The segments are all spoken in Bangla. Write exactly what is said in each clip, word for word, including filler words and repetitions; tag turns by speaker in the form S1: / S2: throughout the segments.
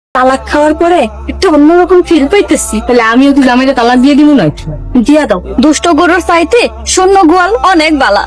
S1: তালাক খাওয়ার পরে একটা অন্যরকম ফিল পাইতেছি।
S2: তাহলে আমিও কি জামাইটা তালাক দিয়ে দিব না?
S1: দিয়া দাও, দুষ্ট গরুর চাইতে শূন্য গোয়াল অনেক বালা।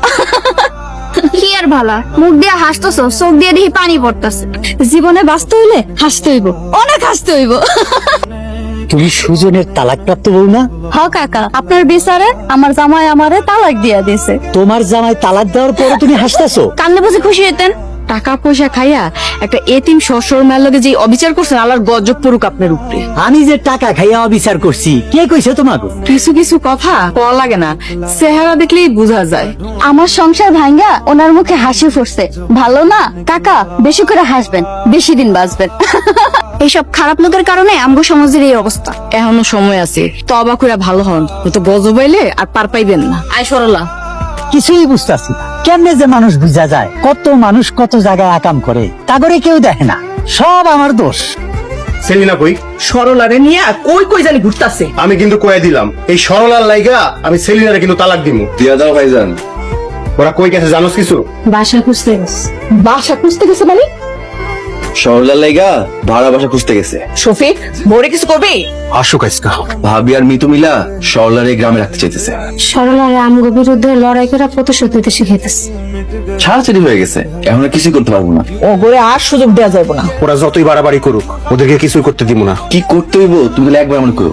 S3: কি আর ভালা, মুখ দিয়ে হাসতেছ, চোখ দিয়ে দেখি পানি পড়তেছে।
S1: জীবনে বাঁচতে হইলে হাসতে হইব, অনেক হাসতে হইব।
S4: তুমি সুজনের তালাক প্রাপ্ত বউ না?
S1: হ কাকা, আপনার বিচারে আমার জামাই আমারে তালাক দিয়া দিছে।
S4: তোমার জামাই তালাক দেওয়ার পরে তুমি হাসতেছো?
S1: কান্নে বুঝে খুশি হইতেন?
S2: টাকা পয়সা খাইয়া একটা এতিম শ্বশুর মায়ের লগে যে অবিচার করছেন, আল্লাহর গজব পড়ুক আপনার উপরে।
S4: আমি যে টাকা খাইয়া অবিচার করছি, কে কইছে তোমাকে?
S2: কিছু কিছু কথা কওয়া লাগে না, চেহারা দেখলেই বোঝা যায়।
S1: আমার সংসার ভাঙ্গা ওনার মুখে হাসি ফুটছে, ভালো না কাকা? বেশি করে হাসবেন, বেশি দিন বাঁচবেন।
S3: এইসব খারাপ লোকের কারণে আমগো সমাজের এই অবস্থা।
S2: এখনো সময় আছে, তবা কইরা ভালো হন, তো গজব আইলে আর পার পাইবেন না। আয় সরলা।
S4: কিছুই বুঝতেছি না, কেমনে যে মানুষ বুঝা যায়? কত মানুষ কত জায়গায় আকাম করে, তা করে কেউ দেখে না। সব আমার দোষ।
S5: সেলিনা কই?
S2: সরলারে নিয়ে কই কই জানি ঘুরতাছে।
S5: আমি কিন্তু কয়ে দিলাম, এই সরলার লাইগা আমি সেলিনারে কিন্তু তালাক দিমু।
S6: দিয়া দাও ভাইজান।
S5: ওরা কই গেছে জানোস কিছু?
S1: বাসা খুঁজতে গেছে।
S2: বাসা খুঁজতে গেছে মানে?
S6: সরলার লাইগা ভাড়া বাসা খুঁজতে গেছে।
S2: শফিক, বড়ে কিছু করবে?
S5: আসুক আজকা।
S6: ভাবি আর মিতু মিলা সরলার এই গ্রামে রাখতে চাইতেছে।
S1: সরলারে আমগো বিরুদ্ধে লড়াই করে প্রতিশোধ নিতে শিখাইতেছে।
S6: ছাড়াছাড়ি হয়ে গেছে, এখন আর কিছুই করতে পারবো না।
S2: ও করে আর সুযোগ দেওয়া যাবে না।
S5: ওরা যতই বাড়াবাড়ি করুক, ওদেরকে কিছুই করতে দিব না।
S6: কি করতে হইব তুমি তাহলে একবার মনে করো।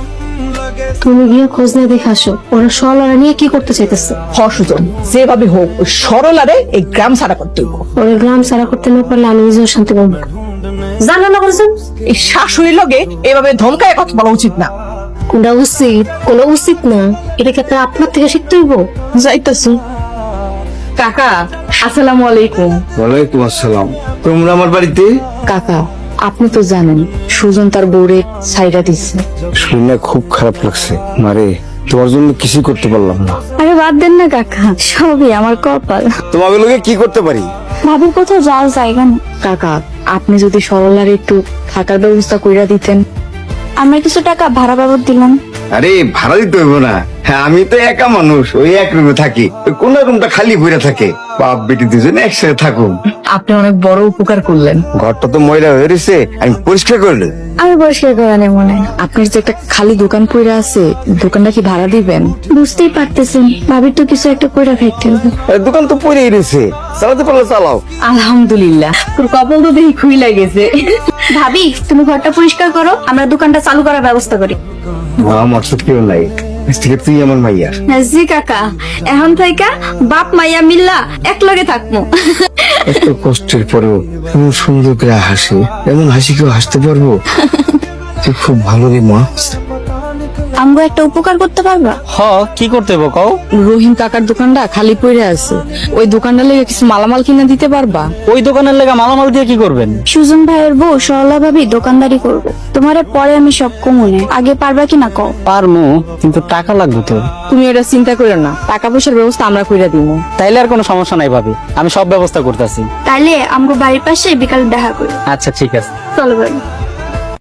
S1: তুমি গিয়ে খোঁজ নিয়ে দেখে আসো, ওরা সরলারে নিয়ে কি করতে চাইতেছে।
S2: সুজন যেভাবে হোক ওই সরলারে এই গ্রাম ছাড়া করতে হইব।
S1: ওরা গ্রাম সারা করতে না পারলে আমি নিজেও শান্তি পাবো না। জানো না বলছেন,
S2: এই শাশুড়ির লগে এভাবে ধমকায় কথা বলা উচিত না।
S1: কোনটা উচিত কোনো উচিত না, এটা ক্ষেত্রে আপনার থেকে শিখতে হইব।
S2: যাইতাছি। কাকা আসসালামু আলাইকুম।
S6: ওয়ালাইকুম আসসালাম। তোমরা আমার বাড়িতে?
S2: কাকা আপনি তো জানেন সুজন তার বউরে ছাইরা দিচ্ছে।
S6: শুনে খুব খারাপ লাগছে মারে, তোমার জন্য কিছুই করতে পারলাম না।
S1: আরে বাদ দেন না কাকা, সবই আমার কপাল।
S6: তোমাকে লোকে কি করতে পারি?
S1: ভাবির কোথাও যাওয়ার জায়গা নেই।
S2: কাকা আপনি যদি সরলার একটু থাকার ব্যবস্থা কইরা দিতেন।
S1: আমরা কিছু টাকা ভাড়া বাবদ দিলাম।
S6: আরে ভাড়া দিতে হইব না, হ্যাঁ আমি তো একা মানুষ, ওই এক রুমে থাকি, ওই কোন রুমটা খালি পড়ে থাকে। বাপ বেটি দুজনে একসাথে থাকুন।
S2: আপনি অনেক বড় উপকার করলেন।
S6: ঘরটা তো ময়লা হয়ে রয়েছে, আমি পরিষ্কার করলে।
S1: আমি পরিষ্কার করে নেই মনে হয়।
S2: আপনার যে একটা খালি দোকান পড়ে আছে, দোকানটা কি ভাড়া দিবেন?
S1: বুঝতেই পারতেছেন ভাবির তো কিছু একটা করে খাইতে হবে।
S6: দোকান তো পড়েই রয়েছে, চালাতে পারলে চালাও।
S2: আলহামদুলিল্লাহ, তোর কপাল তো দেখি খুই লাগেছে।
S1: ভাবি তুমি ঘরটা পরিষ্কার করো, আমরা দোকানটা চালু করার ব্যবস্থা করি।
S6: আমার তো কেউ নাই, তুই আমার মাইয়া।
S1: জি কাকা, এখন থেকে বাপ মাইয়া মিল্লা এক লগে থাকবো।
S6: এত কষ্টের পরেও এমন সুন্দর করে হাসি, এমন হাসি কেউ হাসতে পারবো? তুই খুব ভালো রে মা।
S1: আমগো একটা উপকার করতে পারবা?
S4: হ, কি করতে হইব কও?
S2: রহিম কাকার দোকানটা খালি পড়ে আছে, ওই দোকানটা লেগে কিছু মালামাল কিনে দিতে পারবা?
S4: ওই দোকানের লেগা মালামাল দিয়ে কি করবেন?
S1: সুজন ভাইয়ের বউ সরলা ভাবি দোকানদারি করবে, তোমারে পরে আমি সব কমুনে, আগে পারবা কিনা কও?
S4: পারমু, কিন্তু টাকা লাগবে তো।
S2: তুমি এটা চিন্তা করো না, টাকা পয়সার ব্যবস্থা আমরা কইরা দিব।
S4: তাইলে আর কোনো সমস্যা নাই ভাবি, আমি সব ব্যবস্থা করতেছি।
S1: তাইলে আমগো বাড়ির পাশে বিকালে দেখা করি।
S4: আচ্ছা ঠিক আছে।
S1: চলো ভাই।